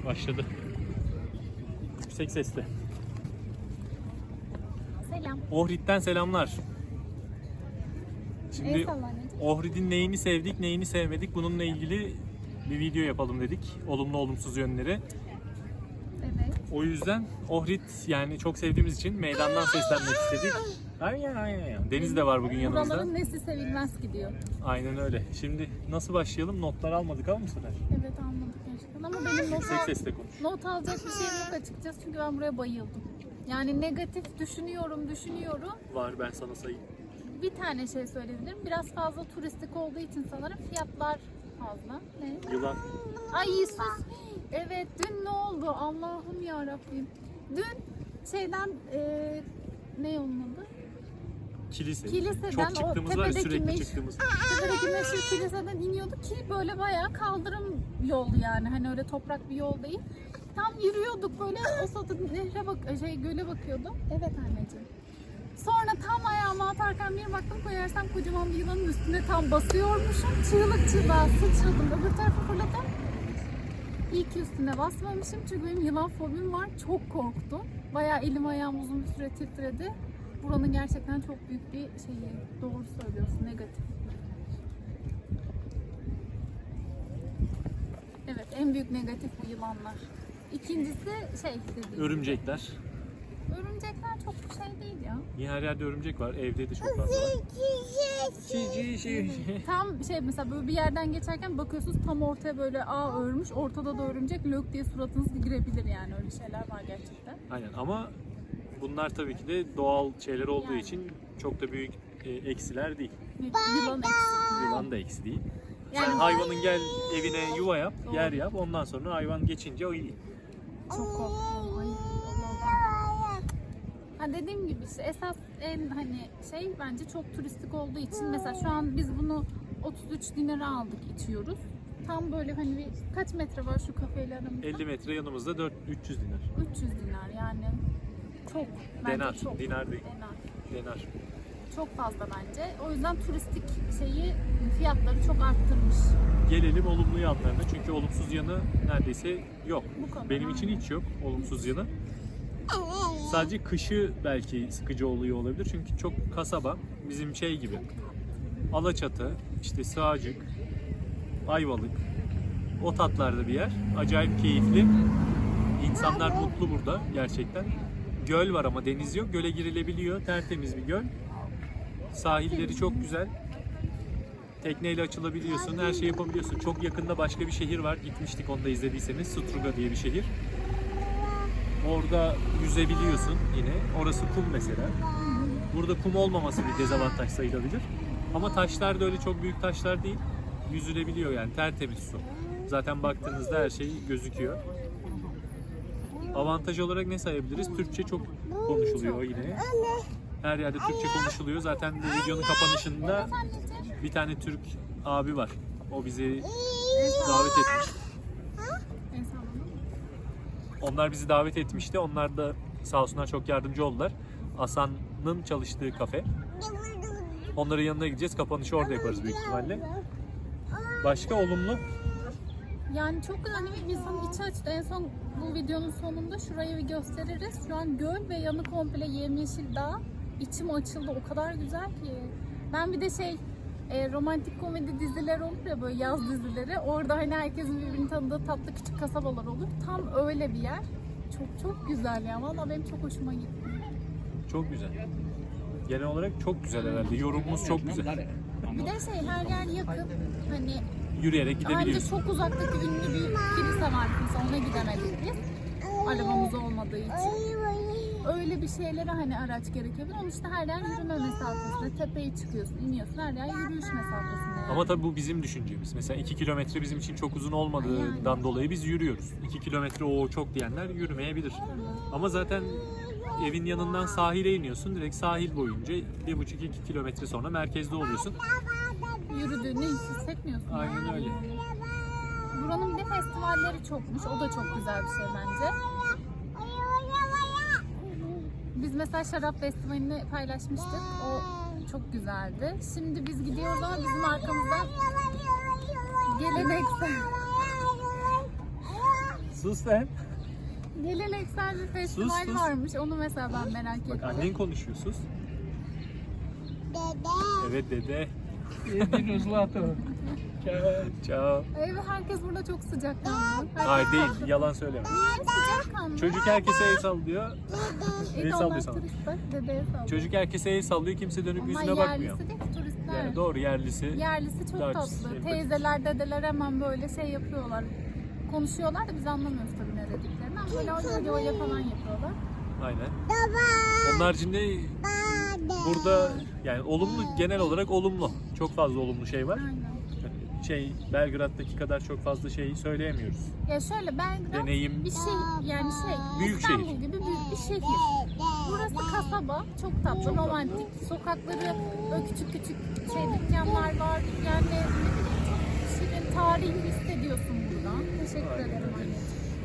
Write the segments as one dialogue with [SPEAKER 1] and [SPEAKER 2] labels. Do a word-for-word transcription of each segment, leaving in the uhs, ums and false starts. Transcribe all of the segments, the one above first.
[SPEAKER 1] Başladı. Yüksek sesle.
[SPEAKER 2] Selam.
[SPEAKER 1] Ohrid'den selamlar. Şimdi
[SPEAKER 2] Eyvallah anneciğim.
[SPEAKER 1] Ohrid'in neyini sevdik, neyini sevmedik bununla ilgili bir video yapalım dedik. Olumlu olumsuz yönleri.
[SPEAKER 2] Evet.
[SPEAKER 1] O yüzden Ohrid yani çok sevdiğimiz için meydandan seslenmek istedik. Ay ay ay. Deniz de var bugün yanımızda.
[SPEAKER 2] Buraların nesli sevilmez gidiyor.
[SPEAKER 1] Aynen öyle. Şimdi nasıl başlayalım? Notlar almadık ama bu sefer.
[SPEAKER 2] Evet anladık gerçekten ama benim not,
[SPEAKER 1] Yüksek
[SPEAKER 2] al-
[SPEAKER 1] sesle konuş.
[SPEAKER 2] not alacak bir şeyim yok açıkçası çünkü ben buraya bayıldım. Yani negatif düşünüyorum, düşünüyorum.
[SPEAKER 1] Var, ben sana sayayım.
[SPEAKER 2] Bir tane şey söyleyebilirim. Biraz fazla turistik olduğu için sanırım fiyatlar fazla. Ne?
[SPEAKER 1] Yılan.
[SPEAKER 2] Ay sus. Evet dün ne oldu? Allah'ım ya Rabbim. Dün şeyden eee ne onun adı?
[SPEAKER 1] Kilise.
[SPEAKER 2] Kiliseden
[SPEAKER 1] Çok
[SPEAKER 2] o
[SPEAKER 1] çıktığımız var ya,
[SPEAKER 2] tepedeki
[SPEAKER 1] sürekli
[SPEAKER 2] meş-
[SPEAKER 1] çıktığımız.
[SPEAKER 2] Tepedeki meşhur kiliseden iniyorduk ki böyle bayağı kaldırım yol yani. Hani öyle toprak bir yol değil. Tam yürüyorduk böyle o sırada nehre bak şey göle bakıyordum. Evet anneciğim. Sonra tam ayağımı atarken bir baktım koyarsam kocaman bir yılanın üstüne tam basıyormuşum. Çığlık çığlığa sıçradım. Öbür tarafa fırladım. İyi ki üstüne basmamışım çünkü benim yılan fobim var. Çok korktum. Bayağı elim ayağım uzun bir süre titredi. Buranın gerçekten çok büyük bir şeyi. Doğru söylüyorsun, negatif. Evet, en büyük negatif bu yılanlar. İkincisi şey dediğim.
[SPEAKER 1] Örümcekler.
[SPEAKER 2] Örümcekler çok şey değil ya.
[SPEAKER 1] Niye her yerde örümcek var? Evde de çok fazla var. Cici şey.
[SPEAKER 2] Tam şey mesela böyle bir yerden geçerken bakıyorsunuz tam ortaya böyle ağ örmüş. Ortada da örümcek lök diye suratınız girebilir yani öyle şeyler var gerçekten.
[SPEAKER 1] Aynen ama bunlar tabii ki de doğal şeyler olduğu
[SPEAKER 2] Yani.
[SPEAKER 1] için çok da büyük e, eksiler değil.
[SPEAKER 2] Yılan eksi.
[SPEAKER 1] Yılan da eksi değil.
[SPEAKER 2] Yani-
[SPEAKER 1] Sen hayvanın gel evine yuva yap,
[SPEAKER 2] Doğru.
[SPEAKER 1] yer yap. Ondan sonra hayvan geçince o iyi.
[SPEAKER 2] Çok korktum. Ay Allah'ım. Ha dediğim gibi işte esas en hani şey bence çok turistik olduğu için mesela şu an biz bunu otuz üç dinara aldık içiyoruz. Tam böyle hani bir, kaç metre var şu kafeyle aramızda?
[SPEAKER 1] elli metre yanımızda dört üç yüz dinar.
[SPEAKER 2] üç yüz dinar yani. Çok. Bence
[SPEAKER 1] Denar,
[SPEAKER 2] çok.
[SPEAKER 1] dinar değil.
[SPEAKER 2] Denar.
[SPEAKER 1] Denar.
[SPEAKER 2] Çok fazla bence. O yüzden turistik şeyi fiyatları çok arttırmış.
[SPEAKER 1] Gelelim olumlu yanlarına çünkü olumsuz yanı neredeyse yok.
[SPEAKER 2] Bu kadar,
[SPEAKER 1] Benim için
[SPEAKER 2] aynen.
[SPEAKER 1] hiç yok olumsuz yanı. Sadece kışı belki sıkıcı oluyor olabilir çünkü çok kasaba, bizim şey gibi. Alaçatı, işte Sığacık, Ayvalık, o tatlarda bir yer. Acayip keyifli. İnsanlar mutlu burada gerçekten. Göl var ama deniz yok. Göle girilebiliyor. Tertemiz bir göl. Sahilleri çok güzel. Tekneyle açılabiliyorsun. Her şeyi yapabiliyorsun. Çok yakında başka bir şehir var. Gitmiştik, onu da izlediyseniz. Struga diye bir şehir. Orada yüzebiliyorsun yine. Orası kum mesela. Burada kum olmaması bir dezavantaj sayılabilir. Ama taşlar da öyle çok büyük taşlar değil. Yüzülebiliyor yani, tertemiz su. Zaten baktığınızda her şey gözüküyor. Avantaj olarak ne sayabiliriz? Türkçe çok konuşuluyor yine. Her yerde Türkçe konuşuluyor. Zaten bu videonun kapanışında bir tane Türk abi var. O bizi davet etmiş. Onlar bizi davet etmişti. Onlar da sağ olsunlar çok yardımcı oldular. Hasan'ın çalıştığı kafe. Onların yanına gideceğiz. Kapanışı orada yaparız büyük ihtimalle. Başka olumlu?
[SPEAKER 2] Yani çok güzel hani insanın içi açtı. En son bu videonun sonunda şurayı bir gösteririz. Şu an göl ve yanı komple yemyeşil dağ. İçim açıldı. O kadar güzel ki. Ben bir de şey e, romantik komedi diziler olur ya böyle yaz dizileri. Orada hani herkesin birbirini tanıdığı tatlı küçük kasabalar olur. Tam öyle bir yer. Çok çok güzel ya. Vallahi benim çok hoşuma gitti.
[SPEAKER 1] Çok güzel. Genel olarak çok güzel herhalde. Yorumumuz çok güzel.
[SPEAKER 2] Bir de şey her yer yakın. Hani
[SPEAKER 1] Yürüyerek
[SPEAKER 2] Bence
[SPEAKER 1] gidebiliyorsun.
[SPEAKER 2] çok uzaktaki ünlü bir kilise var. Mesela ona gidemedik biz. Arabamız olmadığı için. Öyle bir şeylere hani araç gerekebilir. Onun işte her yer yürüme mesafesinde. Tepeye çıkıyorsun, iniyorsun. Her yer yürüyüş mesafesinde. Yani.
[SPEAKER 1] Ama tabii bu bizim düşüncemiz. Mesela iki kilometre bizim için çok uzun olmadığından dolayı biz yürüyoruz. iki kilometre o çok diyenler yürümeyebilir. Ama zaten evin yanından sahile iniyorsun. Direkt sahil boyunca bir buçuk iki kilometre sonra merkezde oluyorsun.
[SPEAKER 2] Yürüdüğünü hiç hissetmiyorsun.
[SPEAKER 1] Aynen öyle.
[SPEAKER 2] Buranın bir de festivalleri çokmuş. O da çok güzel bir şey bence. Biz mesela şarap festivalini paylaşmıştık. O çok güzeldi. Şimdi biz gidiyoruz ama bizim arkamızdan geleneksel
[SPEAKER 1] Sus sen.
[SPEAKER 2] Geleneksel bir festival
[SPEAKER 1] Sus, sus.
[SPEAKER 2] varmış. Onu mesela ben merak
[SPEAKER 1] Bak
[SPEAKER 2] ettim.
[SPEAKER 1] annen konuşuyor, sus. Evet dede.
[SPEAKER 3] Jedino zlato. Ciao.
[SPEAKER 1] Ciao.
[SPEAKER 2] Evet, herkes burada çok sıcakkanlı.
[SPEAKER 1] Hayır değil, yalan söyleme.
[SPEAKER 2] Niye sıcakkanlı?
[SPEAKER 1] Çocuk herkese el sallıyor.
[SPEAKER 2] İyi
[SPEAKER 1] el
[SPEAKER 2] de
[SPEAKER 1] sallıyor
[SPEAKER 2] onlar
[SPEAKER 1] sana.
[SPEAKER 2] turist bak, dedeye sallıyor.
[SPEAKER 1] Çocuk herkese el sallıyor, kimse dönüp
[SPEAKER 2] Onlar
[SPEAKER 1] yüzüne bakmıyor.
[SPEAKER 2] yerlisi değil ki, turistler.
[SPEAKER 1] Yani doğru yerlisi.
[SPEAKER 2] Yerlisi çok
[SPEAKER 1] Daha
[SPEAKER 2] tatlı.
[SPEAKER 1] sempatik.
[SPEAKER 2] Teyzeler, dedeler hemen böyle şey yapıyorlar. Konuşuyorlar da biz anlamıyoruz tabii ne dediklerini. Ama böyle öyle öyle falan yapıyorlar.
[SPEAKER 1] Aynen. Onun haricinde burada yani olumlu, genel olarak olumlu. Çok fazla olumlu şey var.
[SPEAKER 2] Aynen.
[SPEAKER 1] Şey Belgrad'daki kadar çok fazla şey söyleyemiyoruz.
[SPEAKER 2] Ya şöyle Belgrad
[SPEAKER 1] Deneyim
[SPEAKER 2] bir şey yani şey
[SPEAKER 1] Büyük
[SPEAKER 2] İstanbul
[SPEAKER 1] şehir.
[SPEAKER 2] gibi büyük bir şehir. Burası kasaba, çok tatlı, romantik. Sokakları böyle küçük küçük şey dükkanlar var. Yani ne bileyim, çok şirin, tarihini hissediyorsun buradan. Teşekkür
[SPEAKER 1] Aynen.
[SPEAKER 2] ederim anneciğim.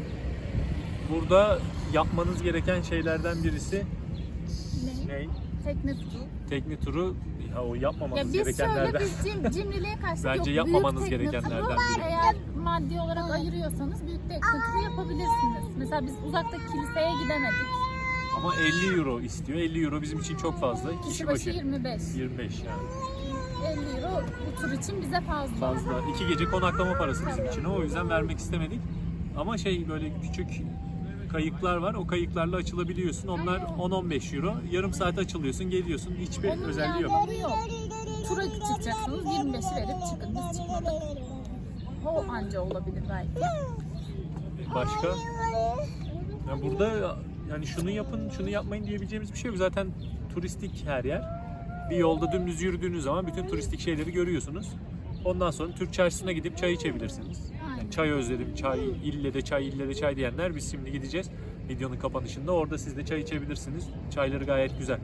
[SPEAKER 1] Burada yapmanız gereken şeylerden birisi
[SPEAKER 2] Ne?
[SPEAKER 1] ne?
[SPEAKER 2] Tekne turu.
[SPEAKER 1] Tekne turu. Ya o
[SPEAKER 2] Ya
[SPEAKER 1] yapmamanız
[SPEAKER 2] biz şöyle
[SPEAKER 1] gerekenlerden.
[SPEAKER 2] biz cim, cimriliğe karşı
[SPEAKER 1] Bence
[SPEAKER 2] yok. Büyük
[SPEAKER 1] yapmamanız
[SPEAKER 2] tekne
[SPEAKER 1] gerekenlerden
[SPEAKER 2] turu,
[SPEAKER 1] biri.
[SPEAKER 2] eğer maddi olarak ayırıyorsanız büyük tekne turu yapabilirsiniz. Mesela biz uzaktaki kiliseye gidemedik.
[SPEAKER 1] Ama elli euro istiyor. elli euro bizim için çok fazla. Kişi,
[SPEAKER 2] Kişi başı
[SPEAKER 1] başı
[SPEAKER 2] yirmi beş.
[SPEAKER 1] yirmi beş yani.
[SPEAKER 2] elli euro bu tur için bize fazla.
[SPEAKER 1] Fazla. İki gece konaklama parası bizim için. O yüzden vermek istemedik. Ama şey böyle küçük kayıklar var. O kayıklarla açılabiliyorsun. Onlar on on beş euro. Yarım saat açılıyorsun, geliyorsun. Hiçbir
[SPEAKER 2] Onun
[SPEAKER 1] özelliği yok.
[SPEAKER 2] yani yok. Tura çıkacaksınız, yirmi beşi verip çıkın. Biz çıkmadık. O anca olabilir belki.
[SPEAKER 1] Başka? Yani burada yani şunu yapın, şunu yapmayın diyebileceğimiz bir şey yok. Zaten turistik her yer. Bir yolda dümdüz yürüdüğünüz zaman bütün turistik şeyleri görüyorsunuz. Ondan sonra Türk çarşısına gidip çay içebilirsiniz. Yani çay özledim, çay, ille de çay, ille de çay diyenler biz şimdi gideceğiz. Videonun kapanışında orada siz de çay içebilirsiniz. Çayları gayet güzel.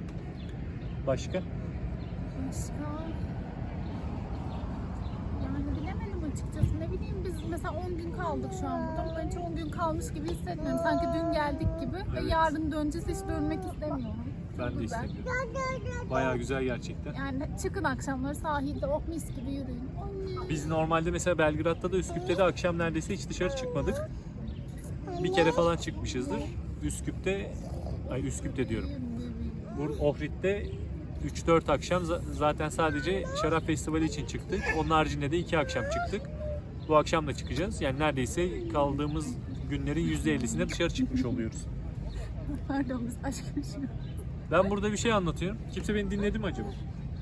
[SPEAKER 1] Başka?
[SPEAKER 2] Başka? Yani bilemedim açıkçası. Ne bileyim biz mesela on gün kaldık şu an burada. Ama ben hiç on gün kalmış gibi hissetmiyorum. Sanki dün geldik gibi ve
[SPEAKER 1] Evet.
[SPEAKER 2] yarın döneceğiz, hiç dönmek istemiyorum. Çok
[SPEAKER 1] Ben de
[SPEAKER 2] güzel.
[SPEAKER 1] istemiyorum. Bayağı güzel gerçekten.
[SPEAKER 2] Yani çıkın akşamları sahilde oh mis gibi yürüyün. Anne.
[SPEAKER 1] Biz normalde mesela Belgrad'da da Üsküp'te de akşam neredeyse hiç dışarı çıkmadık. Bir kere falan çıkmışızdır. Üsküp'te, ay Üsküp'te diyorum. Bu Ohrid'de üç dört akşam za- zaten sadece şarap festivali için çıktık. Onun haricinde de iki akşam çıktık. Bu akşam da çıkacağız. Yani neredeyse kaldığımız günlerin yüzde ellisine dışarı çıkmış oluyoruz.
[SPEAKER 2] Pardon biz aşk yaşıyoruz.
[SPEAKER 1] Ben burada bir şey anlatıyorum. Kimse beni dinledi mi acaba?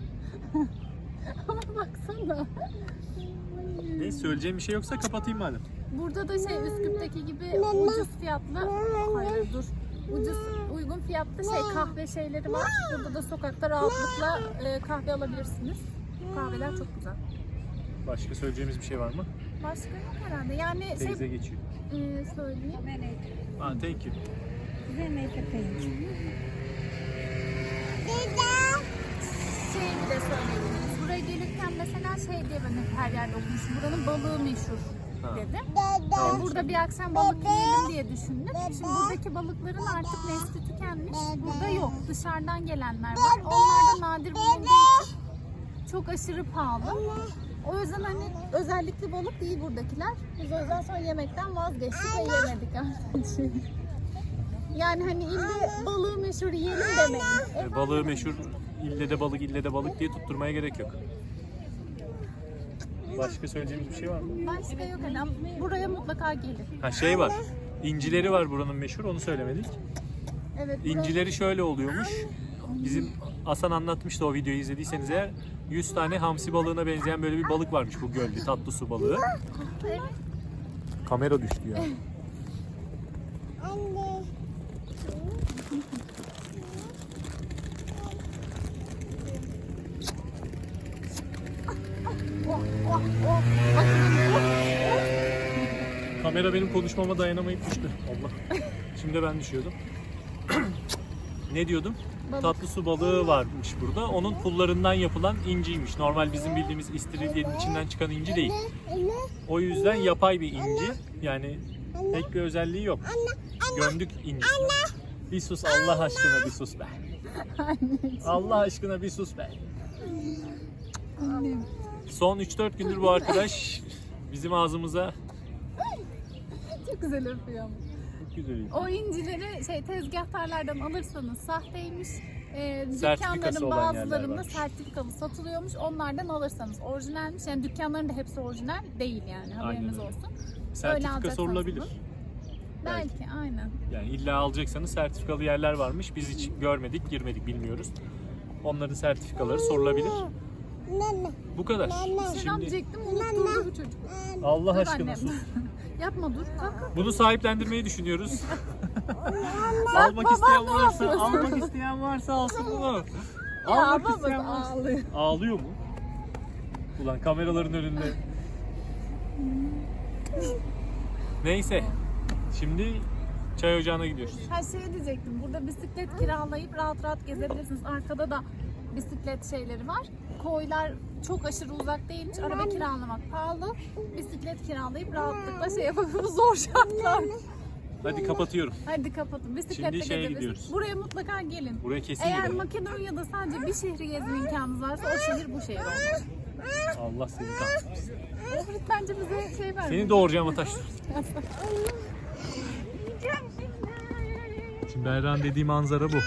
[SPEAKER 2] Ama baksana.
[SPEAKER 1] Neyse söyleyeceğim bir şey yoksa kapatayım madem.
[SPEAKER 2] Burada da şey Üsküp'teki gibi ucuz fiyatlı, hayır dur, ucuz uygun fiyatlı şey kahve şeyleri var. Burada da sokakta rahatlıkla e, kahve alabilirsiniz. Kahveler çok güzel.
[SPEAKER 1] Başka söyleyeceğimiz bir şey var mı?
[SPEAKER 2] Başka yok herhalde. Yani şey
[SPEAKER 1] Teyze geçiyor.
[SPEAKER 2] e, söyleyeyim.
[SPEAKER 1] Ah, thank you.
[SPEAKER 2] Şey bir de söyleyeyim. Buraya gelirken mesela şey diye ben hep her yerde okumuşum. Buranın balığı meşhur
[SPEAKER 1] Ha.
[SPEAKER 2] dedim.
[SPEAKER 1] Tamam.
[SPEAKER 2] Burada bir akşam balık yiyelim diye düşündüm. Şimdi buradaki balıkların artık nesli tükenmiş. Burada yok. Dışarıdan gelenler var. Onlar da nadir bulunduğu için çok aşırı pahalı. O yüzden hani özellikle balık değil buradakiler. Biz o yüzden sonra yemekten vazgeçtik ve yemedik artık. Yani hani ille balığı meşhur yiyelim demeyin.
[SPEAKER 1] E, balığı meşhur, ille de balık, ille de balık diye tutturmaya gerek yok. Başka söyleyeceğimiz bir şey var mı?
[SPEAKER 2] Başka yok hani ama buraya mutlaka gelin.
[SPEAKER 1] Ha şey var, incileri var buranın meşhur, onu söylemedik.
[SPEAKER 2] Evet. burası-
[SPEAKER 1] İncileri şöyle oluyormuş. Bizim Hasan anlatmıştı o videoyu izlediyseniz eğer. yüz tane hamsi balığına benzeyen böyle bir balık varmış bu gölde, tatlı su balığı.
[SPEAKER 2] Evet.
[SPEAKER 1] Kamera düştü ya.
[SPEAKER 2] Oh, oh, oh. Bakın, oh,
[SPEAKER 1] Kamera benim konuşmama dayanamayıp düştü. Allah. Şimdi ben düşüyordum. Ne diyordum?
[SPEAKER 2] Balık.
[SPEAKER 1] Tatlı su balığı varmış burada. Onun pullarından yapılan inciymiş. Normal bizim bildiğimiz istiridyenin içinden çıkan inci değil. O yüzden yapay bir inci. Yani pek bir özelliği yok. Gömdük incisini. Bir sus Allah aşkına bir sus be.
[SPEAKER 2] Anneciğim.
[SPEAKER 1] Allah aşkına bir sus be.
[SPEAKER 2] Annem.
[SPEAKER 1] Son üç dört gündür bu arkadaş bizim ağzımıza
[SPEAKER 2] Çok Çok güzel öpüyor ama.
[SPEAKER 1] Çok güzel.
[SPEAKER 2] O incileri şey tezgahtarlardan alırsanız sahteymiş. E,
[SPEAKER 1] Sertifikası
[SPEAKER 2] dükkanların
[SPEAKER 1] olan yerler
[SPEAKER 2] bazılarında
[SPEAKER 1] varmış.
[SPEAKER 2] sertifikalı satılıyormuş. Onlardan alırsanız orijinalmiş. Yani dükkanların da hepsi orijinal değil yani. Haberiniz
[SPEAKER 1] öyle.
[SPEAKER 2] olsun.
[SPEAKER 1] Sertifika
[SPEAKER 2] alacaksanız
[SPEAKER 1] sorulabilir.
[SPEAKER 2] bunu. Belki, aynen.
[SPEAKER 1] Yani illa alacaksanız sertifikalı yerler varmış. Biz hiç görmedik, girmedik, bilmiyoruz. Onların sertifikaları sorulabilir. Bu kadar.
[SPEAKER 2] Selam
[SPEAKER 1] Şimdi
[SPEAKER 2] diyecektim, unutturdu bu çocuk.
[SPEAKER 1] Allah
[SPEAKER 2] Dur
[SPEAKER 1] aşkına
[SPEAKER 2] annem.
[SPEAKER 1] sus.
[SPEAKER 2] Yapma dur. Kalk.
[SPEAKER 1] Bunu sahiplendirmeyi düşünüyoruz.
[SPEAKER 2] Bak,
[SPEAKER 1] almak
[SPEAKER 2] babam
[SPEAKER 1] isteyen
[SPEAKER 2] ne
[SPEAKER 1] varsa,
[SPEAKER 2] yapıyorsun?
[SPEAKER 1] almak isteyen varsa alsın bunu.
[SPEAKER 2] Ya
[SPEAKER 1] Almak
[SPEAKER 2] babası
[SPEAKER 1] isteyen varsa.
[SPEAKER 2] ağlıyor.
[SPEAKER 1] Ağlıyor mu? Ulan kameraların önünde. Neyse. Şimdi çay ocağına gidiyoruz.
[SPEAKER 2] Ha şey diyecektim, burada bisiklet kiralayıp rahat rahat gezebilirsiniz. Arkada da bisiklet şeyleri var. Koylar çok aşırı uzak değilmiş. Araba kiralamak pahalı. Bisiklet kiralayıp rahatlıkla şey yapabilirsiniz. Zor şartlar.
[SPEAKER 1] Hadi kapatıyorum.
[SPEAKER 2] Hadi kapatın. Bisikletle
[SPEAKER 1] Şimdi şeye
[SPEAKER 2] gezebilirsiniz.
[SPEAKER 1] gidiyoruz.
[SPEAKER 2] Buraya mutlaka gelin.
[SPEAKER 1] Buraya kesin
[SPEAKER 2] Eğer
[SPEAKER 1] gidelim.
[SPEAKER 2] Makedonya'da sadece bir şehri gezme imkanınız varsa o şehir bu şehir olmalı.
[SPEAKER 1] Allah seni kahretsin.
[SPEAKER 2] Ohrid bence bize şey vermiyor.
[SPEAKER 1] Seni doğuracağım Ataş. Şimdi Berran dediği manzara bu.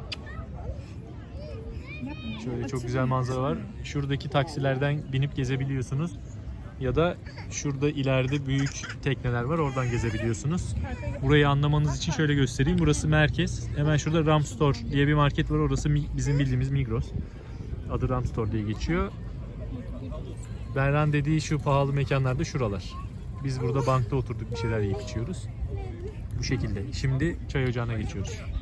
[SPEAKER 1] Şöyle çok güzel manzara var. Şuradaki taksilerden binip gezebiliyorsunuz. Ya da şurada ileride büyük tekneler var. Oradan gezebiliyorsunuz. Burayı anlamanız için şöyle göstereyim. Burası merkez. Hemen şurada Ram Store diye bir market var. Orası mi- bizim bildiğimiz Migros. Adı Ram Store diye geçiyor. Berran dediği şu pahalı mekanlarda şuralar. Biz burada bankta oturduk, bir şeyler yiyip içiyoruz. Bu şekilde. Şimdi çay ocağına geçiyoruz.